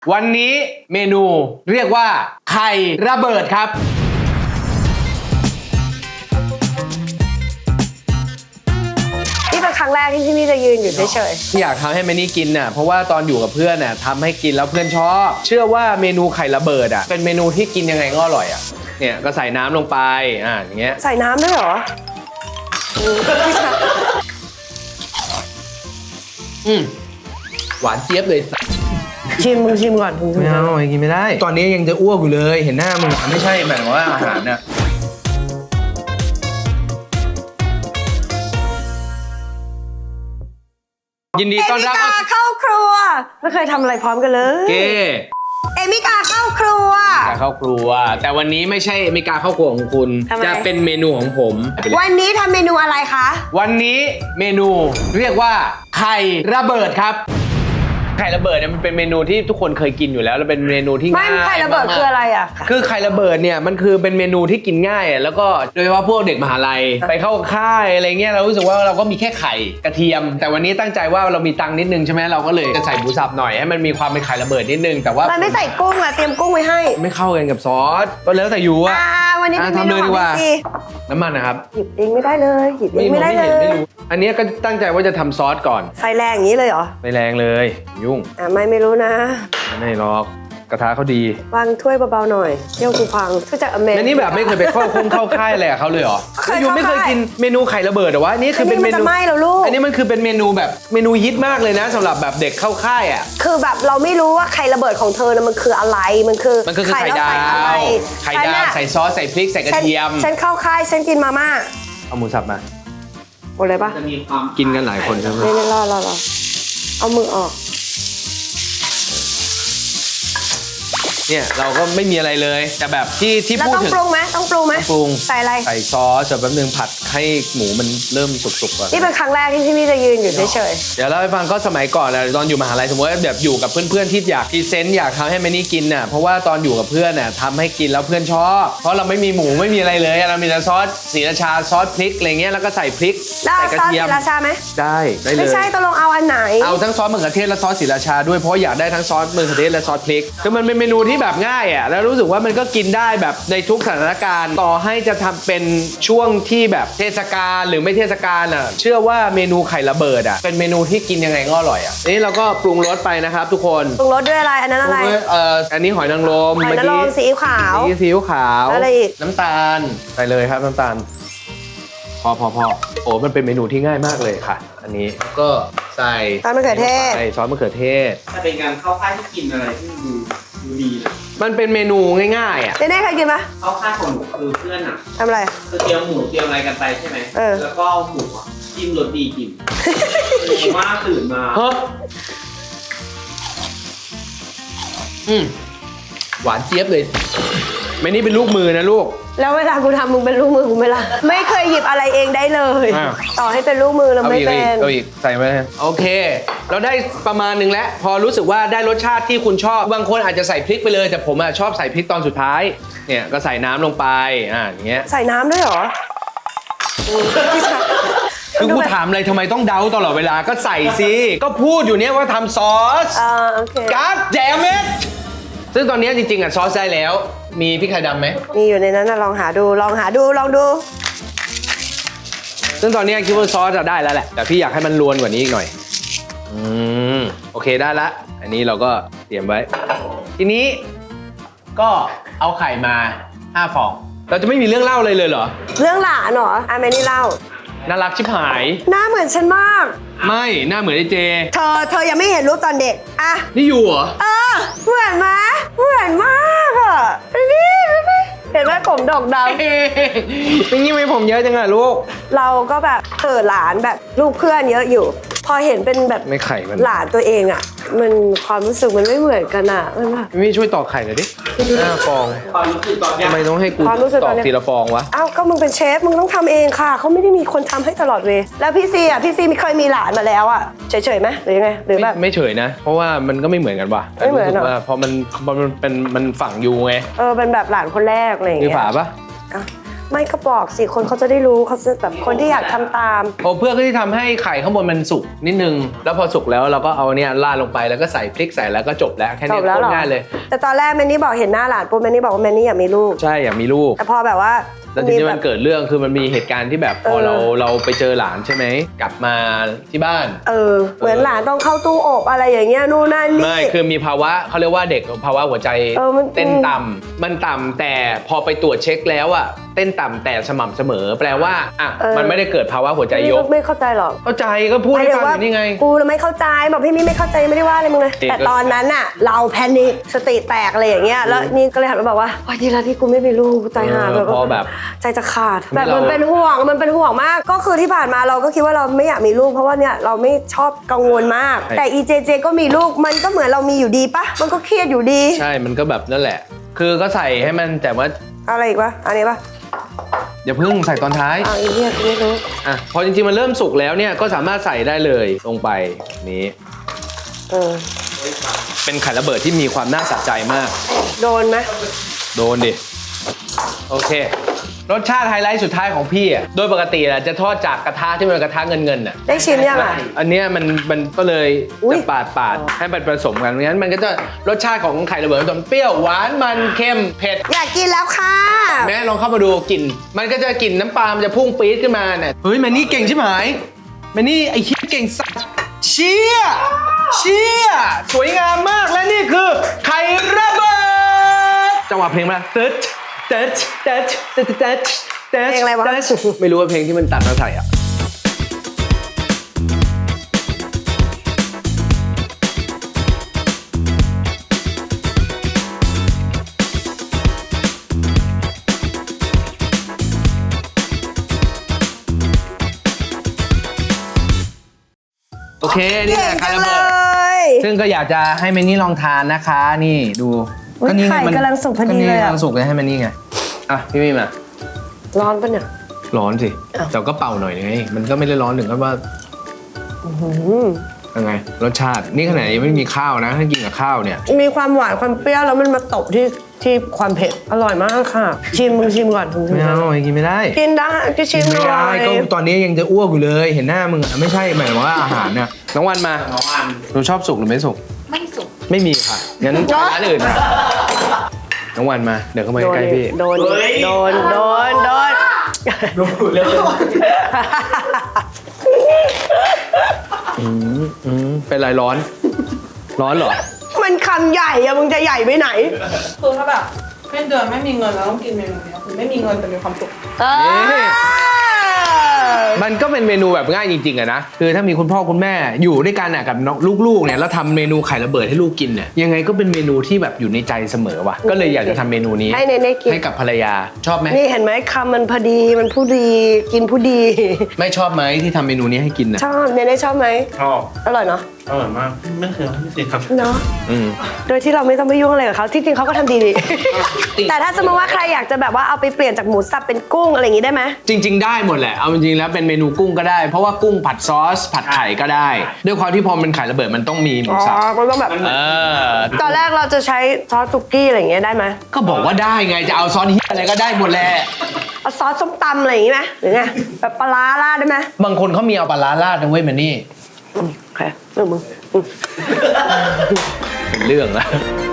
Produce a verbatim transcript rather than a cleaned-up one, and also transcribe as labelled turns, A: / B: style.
A: วันนี้เมนูเรียกว่าไข่ระเบิดครับ
B: นี่เป็นครั้งแรกที่พี่มี่จะยืนอยู่เฉย
A: ๆอยากทำให้แมนี่กินน่ะเพราะว่าตอนอยู่กับเพื่อนน่ะทำให้กินแล้วเพื่อนชอบเชื่อว่าเมนูไข่ระเบิดอ่ะเป็นเมนูที่กินยังไงก็อร่อยอ่ะเนี่ยก็ใส่น้ำลงไปอ่าอย่างเงี้ย
B: ใส่น้ำด้วยเหรอ
A: อืมหวานเจี๊ยบเลย
B: ชิมมึงชิมก่อนมึง
A: ไม่เอากินไม่ได้ตอนนี้ยังจะอ้วกอยู่เลยเห็นหน้ามึงไม่ใช่หมายถึงว่าอาหารน่ะยินดีต้อนรับ
B: เอมิกาเข้าครัวไม่เคยทำอะไรพร้อมกันเลย
A: เก้
B: เอมิกาเข้าครัว
A: กาเข้าครัวแต่วันนี้ไม่ใช่เอมิกาเข้าครัวของคุณจะเป็นเมนูของผม
B: วันนี้ทำเมนูอะไรคะ
A: วันนี้เมนูเรียกว่าไข่ระเบิดครับไข่ระเบิดเนี่ยมันเป็นเมนูที่ทุกคนเคยกินอยู่แล้วแล้วเป็นเมนูที่ง่าย
B: ไม่ไข่ระเบิดคืออะไรอ่ะ
A: คือไข่ระเบิดเนี่ยมันคือเป็นเมนูที่กินง่ายแล้วก็โดยเฉพาะพวกเด็กมหาลัยไปเข้าค่ายอะไรเงี้ยเรารู้สึกว่าเราก็มีแค่ไข่กระเทียมแต่วันนี้ตั้งใจว่าเรามีตังค์นิดนึงใช่ไหมเราก็เลยจะใส่หมูสับหน่อยให้มันมีความเป็นไข่ระเบิดนิดนึงแต่ว่า
B: มันไม่ใส่กุ้งอะเตรียมกุ้งไว้ให้
A: ไม่เข้ากันกับซอสก็แล้วแต่อยู่อะ
B: วันนี้ทำเลยดีกว่า
A: น้ำมันนะครับ
B: หยิบเองไม่ได้เลยหยิบเองไม่ได้เลย
A: อันนี้ก็ตั้งใจว่าจะทำซอสก่อน
B: ไฟแรงอย่างนี้เลยเหรอ
A: ไฟแรงเลยยุ่ง
B: อ่ะไม่ไม่รู้นะ
A: ไม่หรอกกระทะเขาดี
B: วางถ้วยเบาๆหน่อยเที่ยวกูพังก็จะอเมริกัน
A: นี่แบบไม่เคยไปเข้าคุ้มเข้าค่ายอะไรกับเขาเลยเหรอยูไม่เคยกินเมนูไข่ระเบิดหรอวะนี่คือเป็นเมนู
B: ไม่แล้วลูก
A: อันนี้มันคือเป็นเมนูแบบเมนูฮิตมากเลยนะสำหรับแบบเด็กเข้าค่ายอ่ะ
B: คือแบบเราไม่รู้ว่าไข่ระเบิดของเธอนะมันคืออะไรมันคือ
A: มันคือไข่ดาวไข่ดาวใส่ซอสใส่พริกใส่กระเทียม
B: ฉันเข้าค่ายฉันกินมาม่า
A: เอาหมูสับมา
B: หมดเลยปะ
A: จะมีความกินกันหลายคนใช่ไหม
B: ไม่ไม่รอรอรอเอามือออก
A: เนี่ยเราก็ไม่มีอะไรเลยแต่แบบที่ที่พูดถึง
B: ต้องปรุงไหมต้องปรุงไหม
A: ปรุง
B: ใส่อะไร
A: ใส่ซอสเสร็จแป๊บนึงผัดให้หมูมันเริ่มสุกๆก่อน
B: นี่เป็นครั้งแรกที่พี่มี่จะยืนอยู่เฉย
A: ๆเดี๋ยวเล่าให้ฟังก็สมัยก่อนนะตอนอยู่มหาลัยสมมติว่าแบบอยู่กับเพื่อนๆที่อยากพรีเซนต์อยากทำให้แมนี่กินน่ะเพราะว่าตอนอยู่กับเพื่อนน่ะทำให้กินแล้วเพื่อนชอบเพราะเราไม่มีหมูไม่มีอะไรเลยเรามีแต่ซอสศรีราชาซอสพริกอะไรเงี้ยแล้วก็ใส่พริกใส่กระเทียม
B: ซอสศรีราชาไหม
A: ได้ได้เลย
B: ไม่ใช่ตกลงเอาอันไหน
A: เอาทั้งซอสมะเขือเทศและซอสศรีราชาด้วยเพราะอยากได้ทั้งซอสมะเขือเทศและซอสพริกคือมันเป็นเมนูที่แบบง่ายอ่ะแล้วรู้สึกว่ามันก็กินได้แบบในทุกสถานการณ์ต่อให้จะทำเป็นช่วงที่แบบเทศกาลหรือไม่เทศกาลอ่ะเชื่อว่าเมนูไข่ระเบิดอ่ะเป็นเมนูที่กินยังไงก็อร่อยอ่ะนี่เราก็ปรุงรสไปนะครับทุกคน
B: ปรุงรสด้วยอะไรอันนั้นอะไร
A: เอ่ออันนี้หอยนางรม
B: หอยนางรมซีอิ๊วขาว
A: ซีอิ๊วขาว
B: อะไรอีก
A: น้ำตาลใส่เลยครับน้ำตาลพอพอพอโอ้มันเป็นเมนูที่ง่ายมากเลยค่ะอันนี้ก็ใส่
B: ซอสมะเขือเทศ
A: ใส่ซอสมะเขือเทศ
C: ถ้าเป็นการเข้าค่ายที่กินอะไรที่ดูดูดี
A: มันเป็นเมนูง่ายๆอ่ะ
B: เน่ๆเคยกินปะ
C: เข้าค่ายของหนูคือเพื่อนอ่ะ
B: ทำอะไร
C: คือเตรียมหมูเตรียมอะไรกันไปใช่ไหมแล้วก็หมูอ่ะจิ้มรสดีกินมากตื่นมา
A: เฮ้ยอืมหวานเจี๊ยบเลยไม่นี่เป็นลูกมือนะลูก
B: แล้วเวลากูทำมึงเป็นลูกมือกูไหมล่ะไม่เคยหยิบอะไรเองได้เลยต่อให้เป็นลูกมือเราไม่เป็น
A: เอาอีกใส่ไหมโอเคเราได้ประมาณนึงแล้วพอรู้สึกว่าได้รสชาติที่คุณชอบบางคนอาจจะใส่พริกไปเลยแต่ผมอะชอบใส่พริกตอนสุดท้ายเนี่ยก็ใส่น้ำลงไปอ่าอย่างเงี้ย
B: ใส่น้ำด้วยเหรอ
A: คือกูถามอะไรทำไมต้องเดาตลอดเวลาก็ใส่สิก็พูดอยู่เนี้ยว่าทำซอส
B: อ่าโอเค
A: กั๊ดแจมเม็ดซึ่งตอนนี้จริงๆอ่ะซอสได้แล้วมีพริกไทยดำไหม
B: มีอยู่ในนั้นนะลองหาดูลองหาดูลองดู
A: ซึ่งตอนนี้คิดว่าซอสจะได้แล้วแหละแต่พี่อยากให้มันรวนกว่านี้อีกหน่อยอืมโอเคได้ละอันนี้เราก็เตรียมไว้ทีนี้ก็เอาไข่มาห้าฟองเราจะไม่มีเรื่องเล่าเลยเลยเหรอ
B: เรื่องหลานเหรออ่ะแม่นี่เล่า
A: น่ารักชิบหาย
B: หน้าเหมือนฉันมาก
A: ไม่หน้าเหมือนไอ้เจ
B: เธอเธอยังไม่เห็นรูปตอนเด็กอะ
A: นี่อยู่เหรอ
B: เออเหมือนไหมเหมือนมากอะนี่เห็นไหมผมดอกดำ
A: เป็นยังไงผมเยอะจังอะลูก
B: เราก็แบบเออหลานแบบลูกเพื่อนเยอะอยู่พอเห็นเป็นแบบ
A: ไม่ไข่มัน
B: หลานตัวเองอะมันความรู้สึกมันไม่เหมือนกันอะมันแบบ
A: ไม่ช่วยตอกไข่หน่อยดิห้าฟอง
C: ความรู้สึกตอนนี้
A: ทำไมต้องให้กูตอกทีละฟองวะ
B: อ้าวก็มึงเป็นเชฟมึงต้องทำเองค่ะเขาไม่ได้มีคนทำให้ตลอดเวลาแล้วพี่ซีอ่ะพี่ซีไม่เคยมีหลานมาแล้วอ่ะเฉยๆไหมหรือยังไงหรือแบบ
A: ไม่เฉยนะเพราะว่ามันก็ไม่เหมือนกันว่ะ
B: ไม่เหมือนหรอ
A: เพราะมันมันเป็นมันฝังอยู่ไง
B: เออเป็นแบบหลานคนแรกอะไรอย่างเงี้ย
A: มีฝาปะ
B: ไม่ก็บอกสิคนเขาจะได้รู้เขาจะแบบคนที่อยากทำตาม
A: โอ้เพื่อที่ทำให้ไข่ข้างบนมันสุกนิดนึงแล้วพอสุกแล้วเราก็เอาเนี่ยราดลงไปแล้วก็ใส่พริกใส่แล้วก็จบแล้วแค่
B: จ
A: นี้
B: บแล้ว
A: โค
B: เหร
A: ต
B: อ
A: รง่ายเลย
B: แต่ตอนแรกแมนนี่บอกเห็นหน้าหลานปุ๊บแมนนี่บอกว่าแมนนี่อยากมีลูก
A: ใช่อยากมีลูก
B: แต่พอแบบว่า
A: แล้วทีนี้
B: แบ
A: มัน
B: บ
A: เกิดเรื่องคือมันมีเหตุการณ์ที่แบบพอ
B: เออ
A: เราเราไปเจอหลานใช่ไหมกลับมาที่บ้าน
B: เออเหมือนหลานต้องเข้าตู้อบอะไรอย่างเงี้ยนู่นนั่นนี่
A: ไม่คือมีภาวะเขาเรียกว่าเด็กภาวะหัวใจ
B: เออมัน
A: เต้นต่ำมันต่ำแต่พอไปตรวจเช็คแล้วอะเต้นต่ำแต่สม่ำเสมอ แปลว่าอ่ะมันไม่ได้เกิดภาวะหัวใจยก
B: ไม่เข้าใจหรอก
A: เข้าใจก็พูดให้ฟังอยู่นี่ไง
B: กูไม่เข้าใจบอกพี่มี่ไม่เข้าใจไม่ได้ว่าอะไรมึงเลย
A: เด็กก็
B: แต่ตอนนั้นน่ะเราแพนิคสติแตกอะไรอย่างเงี้ยแล้วนี่ก็เลยหันมาบอกว่าโอ๊ยดีแล้วที่กูไม่มีลูกกูใจหาย
A: เออพอแบบ
B: ใจจะขาด
A: ไม่
B: แบบมัน
A: เรา
B: เป็นห่วงมันเป็นห่วงมาก ก็คือที่ผ่านมาเราก็คิดว่าเราไม่อยากมีลูกเพราะว่าเนี่ยเราไม่ชอบกังวลมาก แต่อีเจเจก็มีลูกมันก็เหมือนเรามีอยู่ดีปะมันก็เครียดอยู่ดี
A: ใช่มันก็แบบนั่นแหละ คือก็ใส่ให้มันแต่ว่า
B: อะไรอีกปะอันนี้ปะ
A: อย่าเพิ่งใส่ตอนท้าย
B: อ่าอีเนี่ยกูไม่รู้
A: อ่ะพอจริงๆมันเริ่มสุกแล้วเนี่ยก็สามารถใส่ได้เลยลงไปนี้
B: เออ
A: เป็นไข่ระเบิดที่มีความน่าสะใจมาก
B: โดนไหม
A: โดนดิ โอเค รสชาติไฮไลท์สุดท้ายของพี่อ่ะโดยปกติอ่ะจะทอดจากกระทะที่มันเป็นกระทะเงินเงินๆอ่ะ
B: ได้ชิมยังอ่ะ
A: อันเนี้ยมันมันก็เลย
B: อุ๊ย
A: จะปาดปาดให้มันผสมกันงั้นมันก็จะรสชาติของไข่ระเบิดมันจะเปรี้ยวหวานมันเค็มเผ็ด
B: อยากกินแล้วค่ะ
A: แม่ลองเข้ามาดูกลิ่นมันก็จะกลิ่นน้ำปลามันจะพุ่งปี๊ดขึ้นมาเนี่ยเฮ้ยแมนนี่เก่งใช่ไหมแมนนี่ไอ้เชี่ยเก่งสัสเชี่ยเชี่ยสวยงามมากและนี่คือไข่ระเบิดจังหวะเพลงมาตึ๊ดตึ๊ดตึ๊ดตึ๊ดตึ๊ดตึ๊ด
B: เพลงอะไรวะ
A: ไม่รู้ว่าเพลงที่มันตัดมาใส่อ่ะโอเคนี่แหละไข่ระเบิด
B: ย
A: ซึ่งก็อยากจะให้แมนนี่ลองทานนะคะ นี่ดู
B: อุ๊ย
A: นี่
B: ไข่
A: มัน
B: กำลังสุกพอดี
A: นี่
B: เลยอะ
A: กำลังสุกเลยให้แมนนี่ไงอ่ะพี่มี่มา
B: ร้อนปะเนี่ย
A: ร้อนสิ
B: อ้าว
A: แต่ก็เป่าหน่อยไงมันก็ไม่ได้ร้อนถึงกับว่า
B: อื้อหือ
A: ยังไงรสชาตินี่ขนาดยังไม่มีข้าวนะถ้ากินกับข้าวเนี่ย
B: มีความหวานความเปรี้ยวแล้วมันมาตบที่ที่ความเผ็ดอร่อยมากค่ะ ชิมมึงชิมก่อนมึงชิม
A: ไม่
B: ก่อน
A: เอากินไม่ได้
B: กินได้ก็ชิม
A: ไม่
B: หน่
A: ได้
B: อย
A: ก็ตอนนี้ยังจะอ้วกอยู่เลยเห็นหน้ามึงอะไม่ใช่หมายถึงว่าอาหารเนี่ยน้องวันมา
C: น้องอัน
A: หนูชอบสุกหรือไม่สุก
D: ไม่สุก
A: ไม่มีค่ะงั้นร้านอื่นนะน้องวันมาเดี๋ยวเข้ามา
B: โดน
A: ใกล้ๆพี่
B: โดนโดนโดนโดน
C: รู้เลย
A: อืมอืมเป็นไรร้อน ร้อนเหรอ
B: มันคำใหญ่อะมึงจะใหญ่ไปไหน
D: คือถ้าแบบไม่เดือนไม่มีเงินแล้วต้องกินเมนูเนี้ยคือไม่มีเงินแต่มีความสุข
B: เออ
A: มันก็เป็นเมนูแบบง่ายจริงๆอะนะคือถ้ามีคุณพ่อคุณแม่อยู่ด้วยกันอะกับน้องลูกๆเนี่ยแล้วทำเมนูไข่ระเบิดให้ลูกกินเนี่ยยังไงก็เป็นเมนูที่แบบอยู่ในใจเสมอว่ะก็เลยอยากจะทำเมนูนี้
B: ให้เนเน่กิน
A: ให้กับภรรยาชอบไหม
B: นี่เห็นไหมคำมันพอดีมันผู้ดีกินผู้ดี
A: ไม่ชอบไหมที่ทำเมนูนี้ให้กินนะ
B: ชอบเนเน่ชอบไหม
C: ชอบ
B: อร่อยเนาะ
C: อร่อยมากไม่เคยไม่เคยครับ
B: เนาะ
A: อืม
B: โดยที่เราไม่ต้องไปยุ่งอะไรกับเขาที่จริงเขาก็ทำดีดี แต่ถ้าสมมติว่าใครอยากจะแบบว่าเอาไปเปลี่ยนจากหมูสับเป็นกุ้งอะไรอย่างงี้ได้ไหม
A: จริง ๆ ได้หมดแหละเอาจริงๆแล้วเป็นเมนูกุ้งก็ได้ เพราะว่ากุ้งผัดซอส ผัดไข่ก็ได้ ด้วยความที่พอมันไข่ระเบิดมันต้องมีหมู
B: อ๋อ
A: สับ
B: มันต้องแบบ
A: เออ
B: ตอนแรกเราจะใช้ซอสสุกี้อะไรอย่างเงี้ยได้ไหม
A: ก็บอกว่าได้ไงจะเอาซอสเฮียอะไรก็ได้หมดแหละ
B: เอาซอสส้มตำอะไรอย่างงี้ไหมหรือไงแบบปลาร้าราดได้ไหม
A: บางคนเขามีเอาปลาร้าราดนะเว้ยมันนี่
B: อืมโอเคเรื่องมึงอืม
A: เป็นเรื่องแล้ว